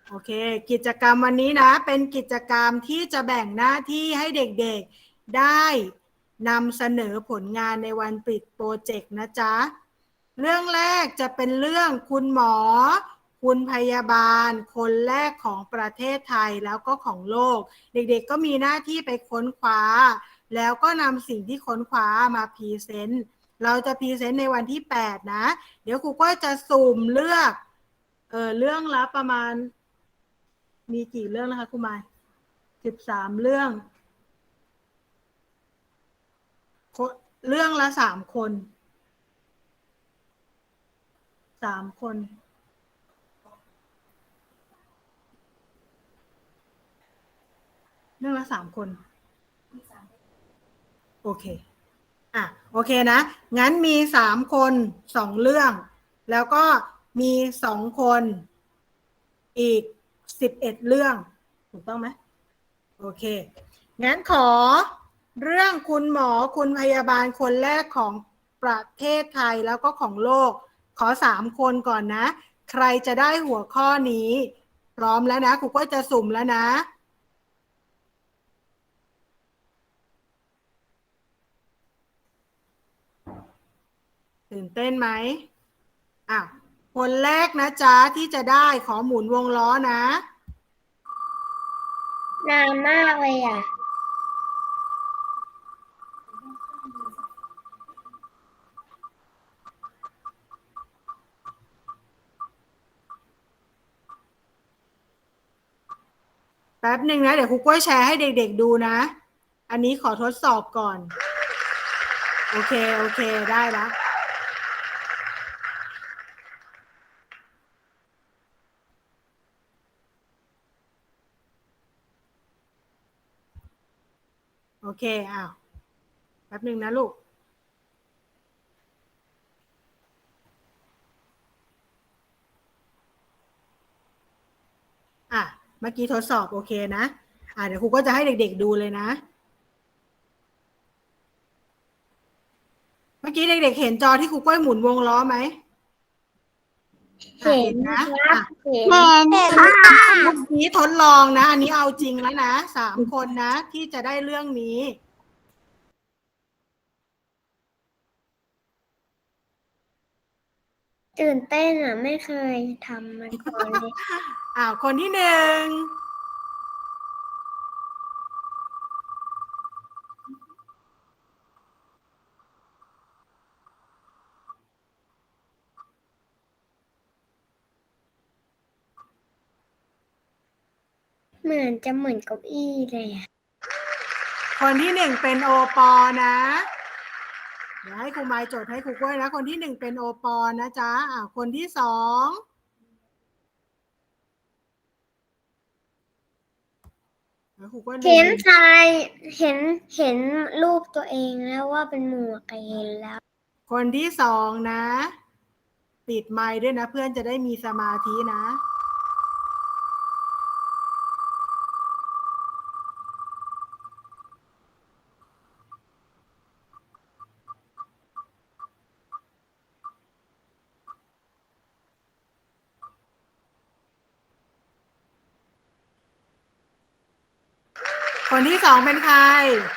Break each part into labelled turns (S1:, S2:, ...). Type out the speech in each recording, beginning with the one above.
S1: โอเคกิจกรรมวันนี้นะเป็นกิจกรรมที่จะแบ่งหน้าที่ให้เด็กๆได้นำเสนอผลงานในวันปิดโปรเจกต์นะจ๊ะเรื่องแรกจะเป็นเรื่องคุณหมอคุณพยาบาลคนแรกของประเทศไทยแล้วก็ของโลกเด็กๆก็มีหน้าที่ไปค้นคว้าแล้วก็นำสิ่งที่ค้นคว้ามาพรีเซนต์เราจะพรีเซนต์ในวันที่8นะเดี๋ยวครูก็จะสุ่มเลือกเรื่องละประมาณมีกี่เรื่องนะคะครูหมาย13เรื่องเรื่องละ3 คน3 คนเรื่องละ3 คนโอเคโอเคนะงั้นมี3 คน2 เรื่องแล้วก็มี2 คนอีก11 เรื่องถูกต้องไหมโอเคงั้นขอเรื่องคุณหมอคุณพยาบาลคนแรกของประเทศไทยแล้วก็ของโลกขอ3 คนก่อนนะใครจะได้หัวข้อนี้พร้อมแล้วนะครูก็จะสุ่มแล้วนะตื่นเต้นไหมคนแรกนะจ๊ะที่จะได้ขอหมุนวงล้อนะ
S2: นานมากเลย
S1: แป๊บหนึ่งนะเดี๋ยวครูกล้วยแชร์ให้เด็กๆดูนะอันนี้ขอทดสอบก่อนโอเคได้แล้วโอเคแป๊บหนึ่งนะลูกเมื่อกี้ทดสอบโอเคนะเดี๋ยวครูก็จะให้เด็กๆดูเลยนะเมื่อกี้เด็กๆเห็นจอที่ครูกล้วยหมุนวงล้อไหม
S2: เห็น
S1: นะครับ
S2: เห็น
S1: ค่ะเมื่อกี้ทดลองนะอันนี้เอาจริงแล้วนะ3 คนนะที่จะได้เรื่องนี้
S2: ตื่นเต้นไม่เคยทำมาก่อนเลย
S1: คนที่1
S2: เหมือนจะเหมือนเก้าอี้เลย
S1: คนที่1เป็นโอปอนะเดี๋ยวให้ครูไม้จดให้ครูกล้วยนะคนที่1เป็นโอปอนะจ๊ะคนที่2แล้วครูกล้วย
S2: เห็นทรายเห็นรูปตัวเองแล้วว่าเป็นหมวกเห็นแล้ว
S1: คนที่2นะปิดไมค์ด้วยนะเพื่อนจะได้มีสมาธินะคนที่2เป็นใคร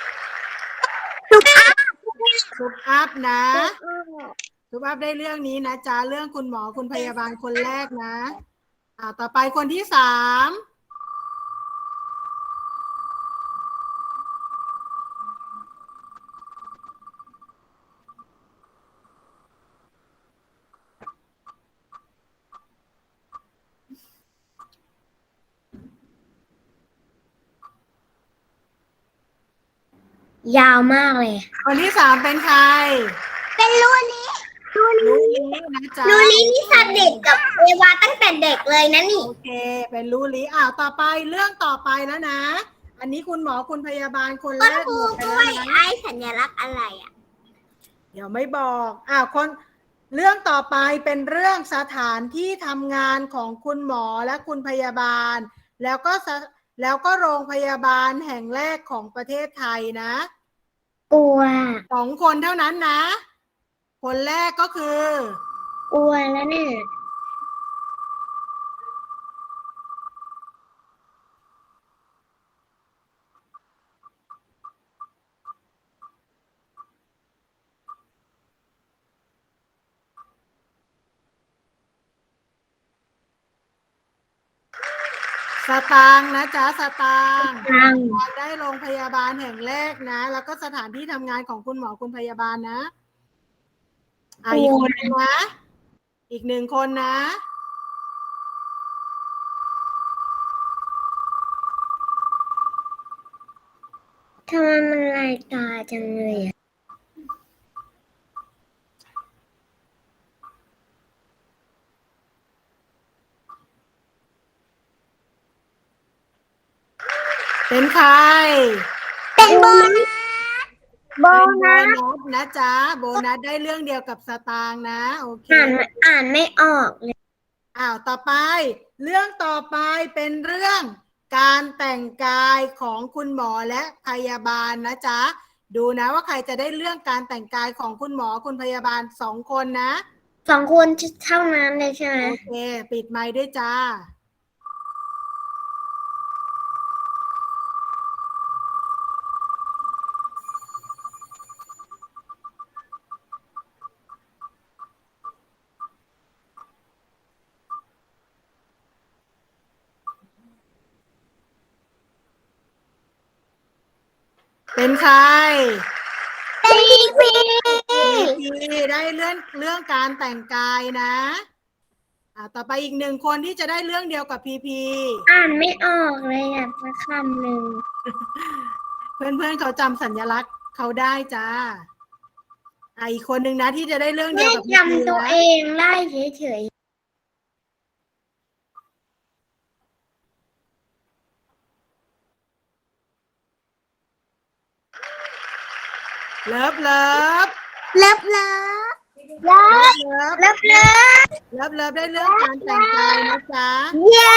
S1: ซุปอัพนะซุปอัพได้เรื่องนี้นะจ๊ะเรื่องคุณหมอคุณพยาบาลคนแรกนะต่อไปคนที่3
S2: ยาวมากเลย
S1: คนที่3เป็นใคร
S2: เป็นรูนี้
S1: นะจ๊ะ
S2: รูนี้นี่สนิทกับเอวาตั้งแต่เด็กเลยนะนี่
S1: โอเคเป็นรู้ลิต่อไปเรื่องต่อไปแล้วนะอันนี้คุณหมอคุณพยาบาลคนแรกหมดไปแล้วนะ
S2: ไอ้สัญลักษณ์อะไร
S1: เดี๋ยวไม่บอกคนเรื่องต่อไปเป็นเรื่องสถานที่ทำงานของคุณหมอและคุณพยาบาลแล้วก็โรงพยาบาลแห่งแรกของประเทศไทยนะ
S2: กลัว
S1: 2 คนเท่านั้นนะคนแรกก็คือก
S2: ลัวแล้วเนี่ย
S1: สตางค์นะจ๊ะสตางค์
S2: ตังค์
S1: ได้โรงพยาบาลแห่งแรกนะ แล้วก็สถานที่ทำงานของคุณหมอคุณพยาบาลนะอีกคนนึงนะอีกหนึ่งคนนะ
S2: ทำไมมันลายตาจังเลยอ่ะ
S1: เป็นใคร
S2: เป็นโบนัสโบ
S1: เป็นโบ
S2: นัส
S1: นัสนะจ๊ะโบนัสได้เรื่องเดียวกับสตางค์นะโอเค
S2: อ่านไม่ออกเลย
S1: ต่อไป เรื่องต่อไปเป็นเรื่องการแต่งกายของคุณหมอและพยาบาลนะจ๊ะดูนะว่าใครจะได้เรื่องการแต่งกายของคุณหมอคุณพยาบาล2 คนนะ
S2: 2 คนเท่านั้นเลยใช่ไหม
S1: โอเคปิดไมค์ด้วยจ้าเป็นใคร
S2: เป็นพี
S1: พีได้เรื่องการแต่งกายนะต่อไปอีก1 คนที่จะได้เรื่องเดียวกับพีพี
S2: อ่านไม่ออกเลยอ่ะสักคำหนึ่ง
S1: เพื่อนๆเขาจำสัญลักษณ์เขาได้จ้าอีกคนนึงนะที่จะได้เรื่องเดียวกับพีพี
S2: จำตัว
S1: นะ
S2: เองได้เฉย
S1: เลิฟเลิฟ
S2: ๆเลิฟเลิฟเลิฟ
S1: เลิฟ
S2: เลิฟเลิฟ
S1: เลิฟเลิฟได้เรื่องการแต่งกายนะจ๊ะ
S2: เย้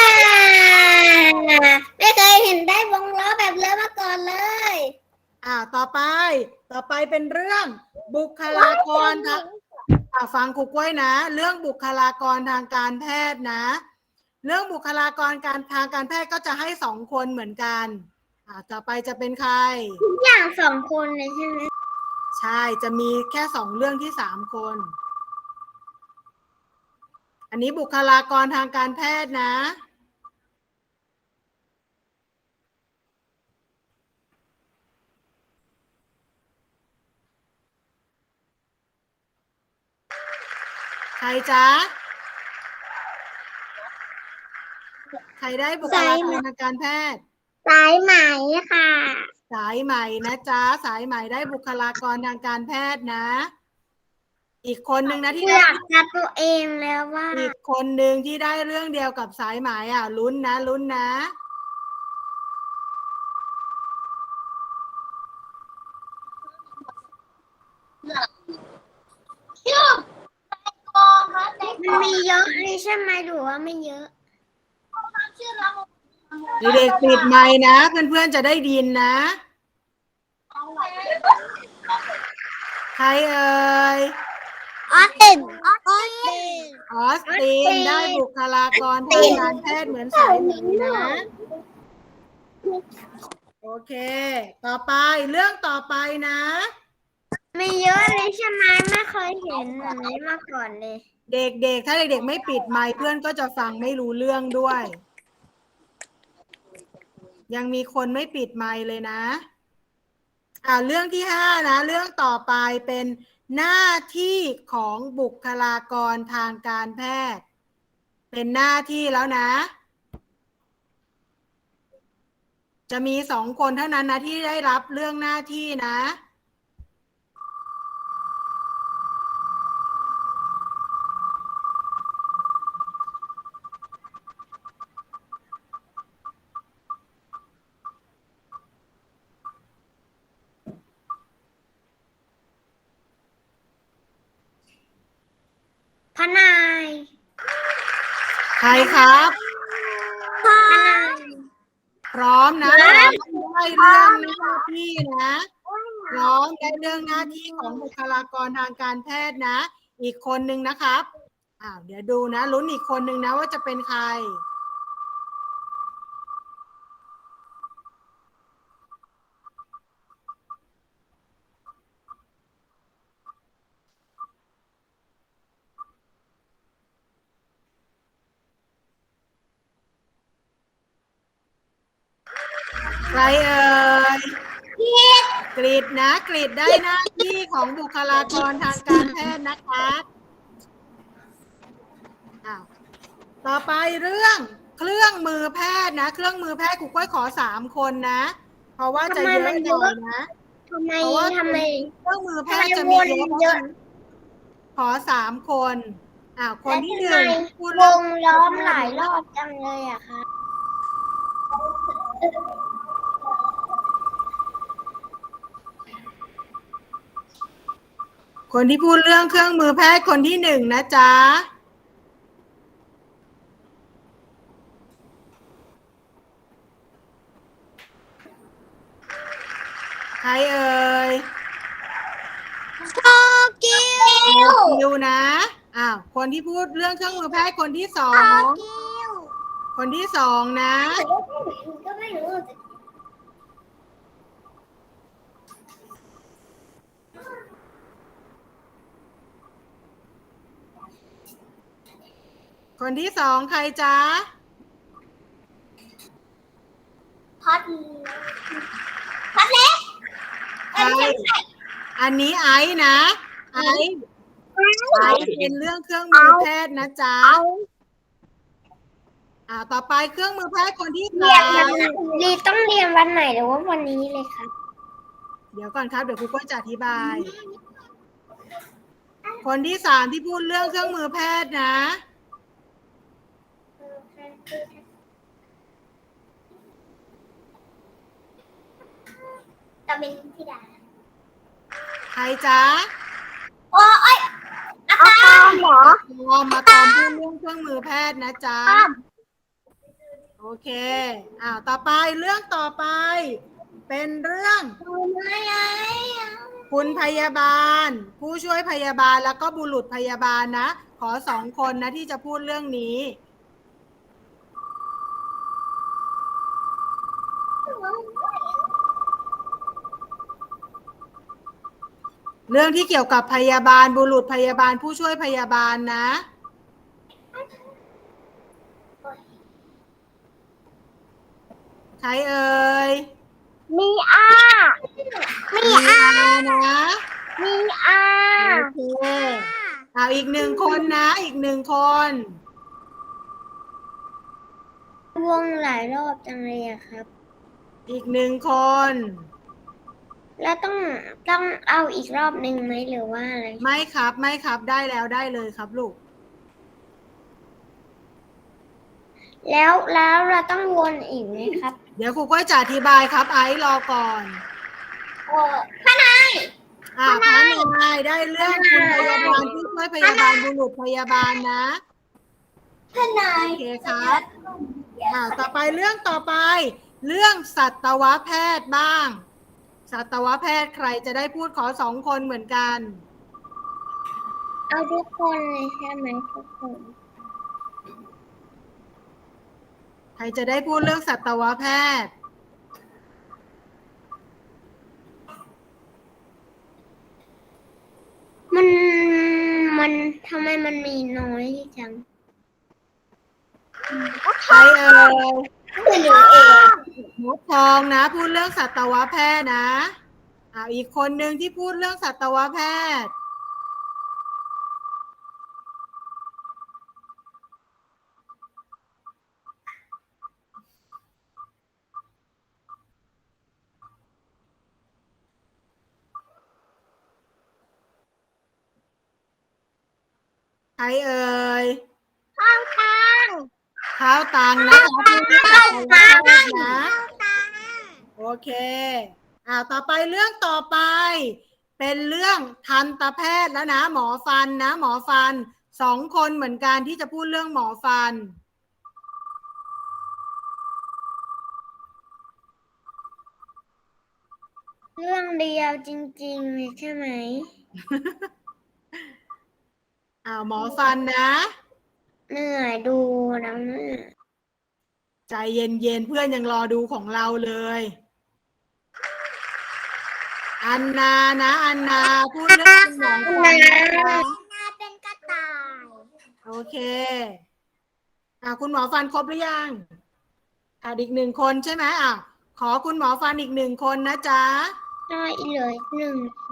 S2: ไม่เคยเห็นได้วงล้อแบบเลิฟมาก่อนเลย
S1: ต่อไปเป็นเรื่องบุคลากรทางฟังครูกล้วยนะ เรื่องบุคลากรทางการแพทย์นะ เรื่องบุคลากรทางการแพทย์ก็จะให้2 คนเหมือนกันต่อไปจะเป็นใคร
S2: ทุกอย่าง2 คนเลยใช่ไหม
S1: ใช่จะมีแค่2 เรื่องที่3 คน อันนี้บุคลากรทางการแพทย์นะใครจ๊ะใครได้บุคลากรทางการแพทย์
S2: สายไหมค่ะ
S1: สายใหม่นะจ๊ะสายใหม่ได้บุคลากรทางการแพทย์นะ อีกคนนึงนะที่
S2: อ
S1: ได้
S2: ยากจะตัวเองแล้วว่า
S1: อีกคนนึงที่ได้เรื่องเดียวกับสายไหมลุ้นนะลุ้นนะ
S2: มันมีเยอะเลยใช่ไหมหรือว่าไม่เยอะ
S1: เด็กๆปิดไมค์นะเพื่อนๆจะได้ยินนะใครเอ่ย
S2: ออสติน
S1: ออสตินได้บุคลากรทางการแพทย์เหมือนสายไหมนะโอเคต่อไปเรื่องต่อไปนะ
S2: ไม่เยอะเลยใช่ไหมไม่เคยเห็นแบบนี้มาก่อนเลย
S1: เด็กๆถ้าเด็กๆไม่ปิดไมค์เพื่อนก็จะฟังไม่รู้เรื่องด้วย ยังมีคนไม่ปิดไมค์เลยนะเรื่องที่5นะเรื่องต่อไปเป็นหน้าที่ของบุคลากรทางการแพทย์เป็นหน้าที่แล้วนะจะมี2 คนเท่านั้นนะที่ได้รับเรื่องหน้าที่นะ
S2: พนาย
S1: ใครครับ
S2: พนาย
S1: พร้อมนะพร้อมได้เรื่องหน้าที่นะพร้อมได้เรื่องหน้าที่ของบุคลากรทางการแพทย์นะอีกคนนึงนะครับเดี๋ยวดูนะลุ้นอีกคนนึงนะว่าจะเป็นใครใครเอ่ยกรีดนะกรีดได้หน้าที่ของบุคลากรทางการแพทย์นะคะอ้าวต่อไปเรื่องเครื่องมือแพทย์นะเครื่องมือแพทย์ครูก้อยขอ3 คนนะ เพราะว่าจะเยอะหน่อยนะ
S2: ทำไม
S1: เพราะว่า
S2: ทำไม
S1: เครื่องมือแพ
S2: ทำไม
S1: ทย์จะ
S2: ว
S1: มี
S2: น
S1: เยอะ
S2: เยอะ
S1: ขอ3 คนคนที่
S2: แล้ว
S1: 1
S2: ทำไม
S1: พูด
S2: ว
S1: เรื่อง
S2: งล้อมหลายรอบจังเลยอะคะ
S1: คนที่พูดเรื่องเครื่องมือแพทย์คนที่1นะจ๊ะใครเอ่ย
S2: โตเกียว
S1: คิวนะคนที่พูดเรื่องเครื่องมือแพทย์คนที่2คนที่2นะ
S2: ก็ไม่รู้
S1: คนที่2ใครจ๊ะ
S2: พัดเล็ก
S1: ใครอันนี้ไอซ์นะไอซ์เป็นเรื่องเครื่องมือแพทย์นะจ๊ะต่อไปเครื่องมือแพทย์คนที่
S2: รีต้องเรียนวันไหนหรือว่าวันนี้เลยครับ
S1: เดี๋ยวก่อนครับเดี๋ยวครูก็จะอธิบาย คนที่3ที่พูดเรื่องเครื่องมือแพทย์นะ
S2: ตาเป็นที่ดา
S1: ใครจ๊ะ
S2: โอ้ยอาตอมเหรอ
S1: มาตามพูดเรื่องเครื่องมือแพทย์นะจ๊ะโอเคต่อไปเรื่องต่อไปเป็นเรื่องคุณพยาบาลผู้ช่วยพยาบาลแล้วก็บุรุษพยาบาลนะขอ2 คนนะที่จะพูดเรื่องนี้เรื่องที่เกี่ยวกับพยาบาลบุรุษพยาบาลผู้ช่วยพยาบาลนะใครเอ่ย
S2: มีอา
S1: นะ
S2: มีอา
S1: โอเคอีก1 คนนะอีก1 คน
S2: วงหลายรอบจังเลยอะครับ
S1: อีก1 คน
S2: แล้วต้องเอาอีกรอบหนึ่งไหมหรือว่าอะไร
S1: ไม่ครับได้แล้วได้เลยครับลูก
S2: แล้วเราต้องวนอีกไหมครับ
S1: เดี๋ยวครูก็จะอธิบายครับไอซ์รอก่อน
S2: พนาย
S1: พระนายได้เรื่องคุณพยาบาลผู้ช่วยพยาบาลบุรุษพยาบาลนะ
S2: พนาย
S1: โอเคครับต่อไปเรื่องต่อไปเรื่องสัตวแพทย์บ้างสัตวแพทย์ใครจะได้พูดขอ2 คนเหมือนกัน
S2: เอาทุกคนเลยใช่ไหมทุกคน
S1: ใครจะได้พูดเรื่องสัตวแพทย์
S2: มันทำไมมันมีน้อยจัง
S1: ใครเอ่ย
S2: หนูเอง
S1: มดทองนะพูดเรื่องสัตวแพทย์นะอีกคนหนึ่งที่พูดเรื่องสัตวแพทย์ใครเอ่ย
S2: ข้าวตัง
S1: นะคะพูดเรื่องสัตวแพทย์นะโอเคต่อไปเรื่องต่อไปเป็นเรื่องทันตแพทย์แล้วนะหมอฟันนะหมอฟัน2 คนเหมือนกันที่จะพูดเรื่องหมอฟัน
S2: เรื่องเดียวจริงๆเลยใช่ไหม
S1: หมอฟันนะ
S2: เหนื่อยดูแล้วเนี่ย
S1: ใจเย็นๆเพื่อนยังรอดูของเราเลยอันนานะอันนาพูดเรื่องหมอฟัน
S2: นาเป็นกระต่าย
S1: โอเคคุณหมอฟันครบหรือยังอีก1 คนใช่ไหมขอคุณหมอฟันอีก1 คนนะจ๊ะ
S2: ได้เลย1 คน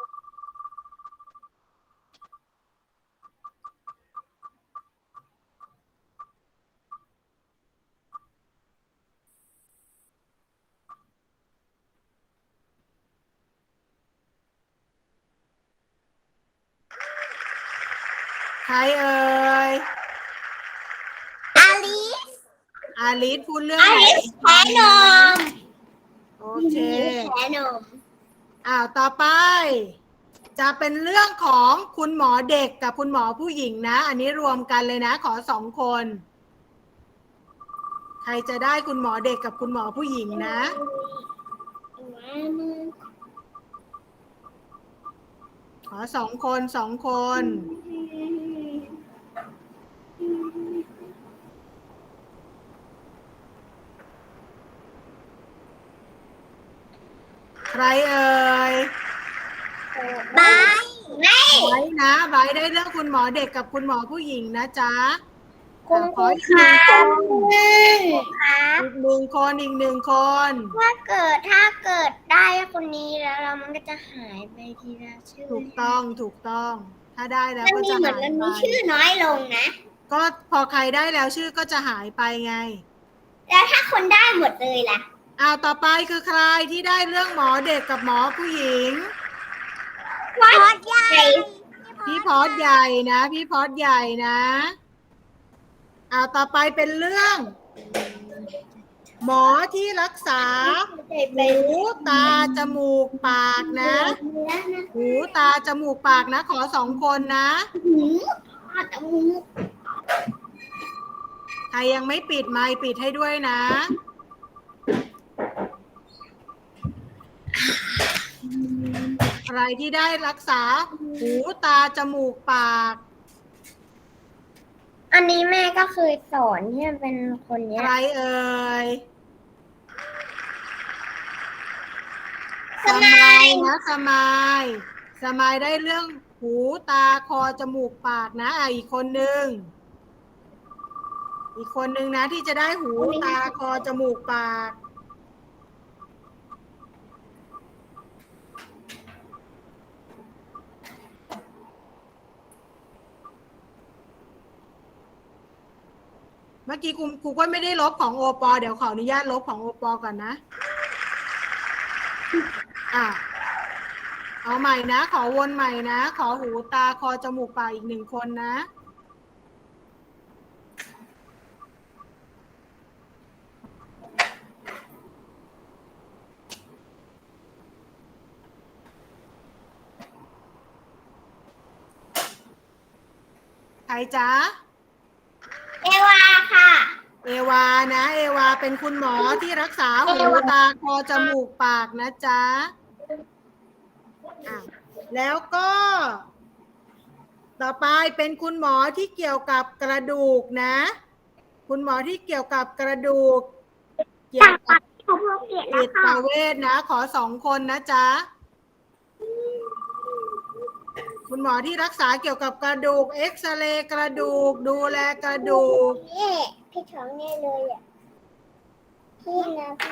S1: ใครเอ่ย
S2: อาลิส
S1: อาลิสพูดเรื่องไหน
S2: แพ้นม
S1: โอเค
S2: แพ้นม
S1: ต่อไป จะเป็นเรื่องของคุณหมอเด็กกับคุณหมอผู้หญิงนะ อันนี้รวมกันเลยนะ ขอ2 คน ใครจะได้คุณหมอเด็กกับคุณหมอผู้หญิงนะ ขอ2 คน2 คน ใครเอ่ย
S2: บายไม่
S1: ไว้นะไว้ได้เรื่องคุณหมอเด็กกับคุณหมอผู้หญิงนะจ๊ะ
S2: คุณค
S1: ข
S2: รู
S1: ออีก
S2: ค
S1: 1
S2: รับ
S1: อีก1 คนอีก1 คน
S2: ถ้าเกิดได้คนนี้แล้วเรามันก็จะหายไปทีละชื่อ
S1: ถูกต้อง ถ้าได้แล้ว
S2: มัน
S1: ก็
S2: มี
S1: จะ
S2: เหมือ
S1: หาน ย
S2: มัน
S1: ไป
S2: มีชื่อน้อยลงนะ
S1: ก็พอใครได้แล้วชื่อก็จะหายไปไง
S2: แล้วถ้าคนได้หมดเลยล่ะ
S1: ต่อไปคือใครที่ได้เรื่องหมอเด็กกับหมอผู้หญิง
S2: พอดใหญ่
S1: พี่พอดใหญ่นะ พี่พอดใหญ่นะต่อไปเป็นเรื่อง หมอที่รักษาหูตาจมูกปากนะ หูตาจมูกปากนะ ขอ2 คนนะ ใครยังไม่ปิดไมค์ปิดให้ด้วยนะ ใครที่ได้รักษาหูตาจมูกปาก
S2: อันนี้แม่ก็เคยสอนที่มันเป็นคนเนี้
S1: ใค
S2: ย
S1: รเอ่ย
S2: สมาย
S1: นะสมายได้เรื่องหูตาคอจมูกปากนะอีกคนนึงนะที่จะได้หูตาคอจมูกปาก เมื่อกี้ครูก็ไม่ได้ลบของโอปอเดี๋ยวขออนุญาตลบของโอปอก่อนนะเอาใหม่นะขอวนใหม่นะขอหูตาคอจมูกปากอีก1 คนนะใครจ๊ะ
S2: เอวาค่ะ
S1: เอวานะเอวาเป็นคุณหมอที่รักษาหูตาคอจมูกปากนะจ๊ะแล้วก็ต่อไปเป็นคุณหมอที่เกี่ยวกับกระดูกนะคุณหมอที่เกี่ยวกับกระดูกเกี่ยวกับจิตเวชนะขอ2 คนนะจ๊ะคุณหมอที่รักษาเกี่ยวกับกระดูกเอ็กซเรย์กระดูกดูแลกระดูก
S2: พี่ท้องแน่เลยอ่ะพี่นะแม่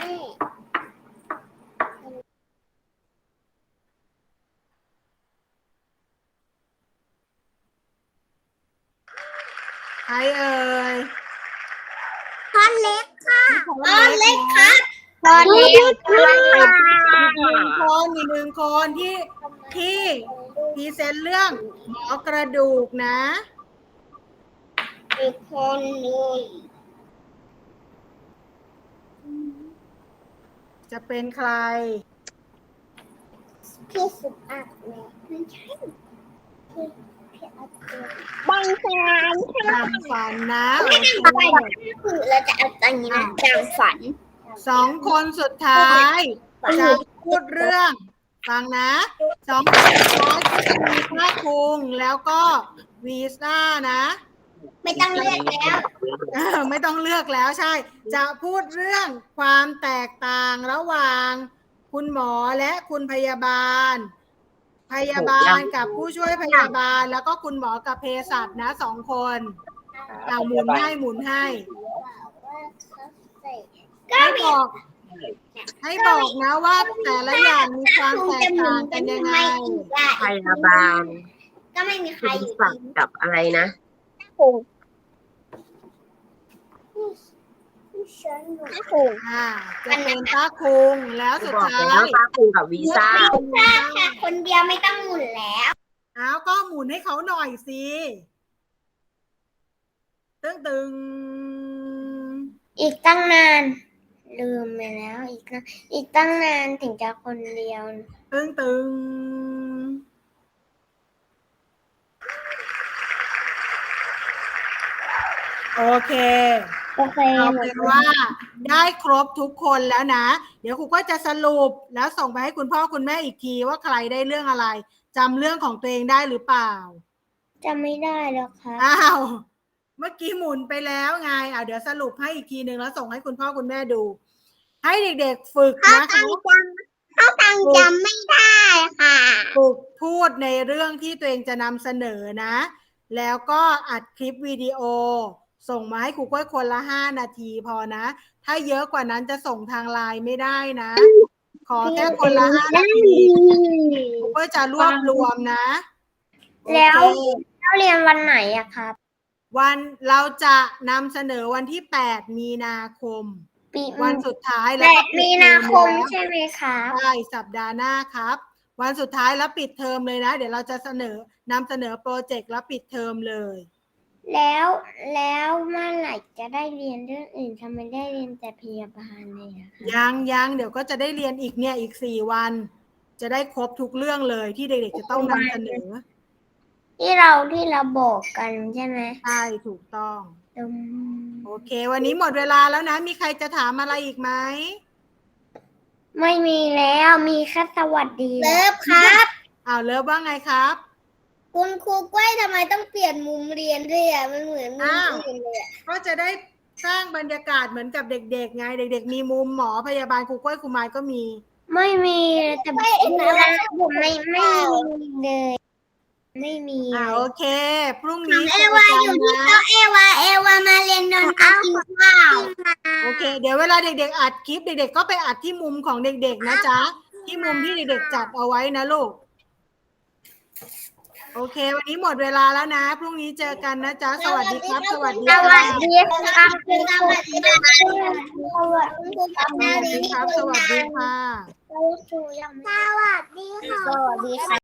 S1: ใครเอ่ย
S2: พอนเล็กค่ะ
S1: พอนเล็กครับ
S2: พอนเล็กค่ะ
S1: อีกหนึ่งคนที่พรีเซนต์เรื่องหมอกระดูกนะ
S2: อีกคนเลย
S1: จะเป็นใคร
S2: พี่สุอัดเนี่ยไม่ใช่พี่อัดบางแสน
S1: ดังฝันนะ
S2: ไม่ได้ทำอะไรคือเราจะเอาตอนนี้นะดังฝัน
S1: 2 คนสุดท้ายจะพูดเรื่องฟังนะ2 คนสุดท้ายก็จะมีภาคคุงแล้วก็วีซ่านะ
S2: ไม่ต้องเลือกแล้ว
S1: ไม่ต้องเลือกแล้วใช่ จะพูดเรื่องความแตกต่างระหว่างคุณหมอและคุณพยาบาล กับผู้ช่วยพยาบาลแล้วก็คุณหมอกับเภสัชนะ2 คนหมุนให้
S2: ก็
S1: ให้
S2: มี
S1: บอกให้บอกนะว่าแต่ละอย่างมีความแตกต่างกันยังไง
S3: พยาบาล
S2: ก็ไม่มีใคร
S3: คุณ
S2: อยู่
S3: ศัก
S2: ดี
S3: ดิ์กับอะไรนะ
S2: ถูก
S1: จะเป็นป้าคุงแล้วสุด
S3: บอก
S1: ท้า
S3: แล้ว
S1: ย
S3: ป้าคุงกับวีซ่า
S2: ค่ะคนเดียวไม่ต้องหมุนแล้ว
S1: เอาก็หมุนให้เขาหน่อยสิตึง
S2: อีกตั้งนาน ลืมไปแล้ว อีกตั้งนานถึงจะคนเดียว
S1: ตึงโอเค
S2: โอเค
S1: เอา
S2: หม
S1: เป็
S2: ด
S1: นว่าได้ครบทุกคนแล้วนะ เดี๋ยวครูก็จะสรุปแล้วส่งไปให้คุณพ่อคุณแม่อีกทีว่าใครได้เรื่องอะไรจำเรื่องของตัวเองได้หรือเปล่า
S2: จะไม่ได้แล้วค่ะ
S1: อ้าวเมื่อกี้หมุนไปแล้วไงเดี๋ยวสรุปให้อีกทีหนึ่งแล้วส่งให้คุณพ่อคุณแม่ดู ให้เด็กๆฝึกนะคะ
S2: ตังจำไม่ได้ค่ะ
S1: ฝึกพูดในเรื่องที่ตัวเองจะนำเสนอนะ แล้วก็อัดคลิปวิดีโอ ส่งมาให้ครูก้อยคนละ5 นาทีพอนะ ถ้าเยอะกว่านั้นจะส่งทางไลน์ไม่ได้นะ ขอแค่คนละ5 นาทีครูก้อยจะรวบรวมนะ
S2: แล้ว
S1: โอเค
S2: เราเรียนวันไหนอะครับ
S1: วันเราจะนำเสนอวันที่8 มีนาคม
S2: ปี
S1: วันสุดท้ายแล้
S2: แป
S1: วก็
S2: ด
S1: ปิด
S2: มี
S1: เท
S2: นา
S1: อม
S2: คม
S1: แล้ว
S2: ใช่ไหมคะ
S1: ใช่สัปดาห์หน้าครับ วันสุดท้ายแล้วปิดเทอมเลยนะ เดี๋ยวเราจะนำเสนอโปรเจกต์แล้วปิดเทอมเลย
S2: แล้วเมื่อไหร่จะได้เรียนเรื่องอื่นทำไมได้เรียนแต่พยาบาลเลยอะคะ
S1: ยังเดี๋ยวก็จะได้เรียนอีกอีก4 วัน จะได้ครบทุกเรื่องเลยที่เด็กๆจะต้องนำเสนอ
S2: ที่เราบอกกันใช่ไหม
S1: ใช่ถูกต้อง
S2: อืม
S1: โอเค วันนี้หมดเวลาแล้วนะ มีใครจะถามอะไรอีกไหม
S2: ไม่มีแล้วมีแค่สวัสดีเลิฟครับ
S1: เลิฟว่าไงครับ
S2: คุณครูก้อยทำไมต้องเปลี่ยนมุมเรียนด้วยอ่ะมันเหมือนมุมอื่นเลยอะ
S1: ก็จะได้สร้างบรรยากาศเหมือนกับเด็กๆไง เด็กๆมีมุมหมอพยาบาลครูก้อยครูไม้ก็มี
S2: ไม่มีแต่ดูแลผมไม่มีเลย ไม่มี
S1: โอเค พรุ่งนี้
S2: เอวาอยู่ที่โต๊ะเอวามาเรียนนนท์กินข้าว
S1: โอเค เดี๋ยวเวลาเด็กๆอัดคลิปเด็กๆก็ไปอัดที่มุมของเด็กๆนะจ๊ะ ที่มุมที่เด็กๆจัดเอาไว้นะลูก โอเค วันนี้หมดเวลาแล้วนะ พรุ่งนี้เจอกันนะจ๊ะ สวัสดีครับ สวัสดี
S2: ส
S1: ค
S2: วั
S1: รั
S2: ส
S1: บ
S2: ดีครับคุณครูสวัสดีครับ
S1: สวัสดีครับ สวัสดีค่ะ
S2: สวัสดีค่ะ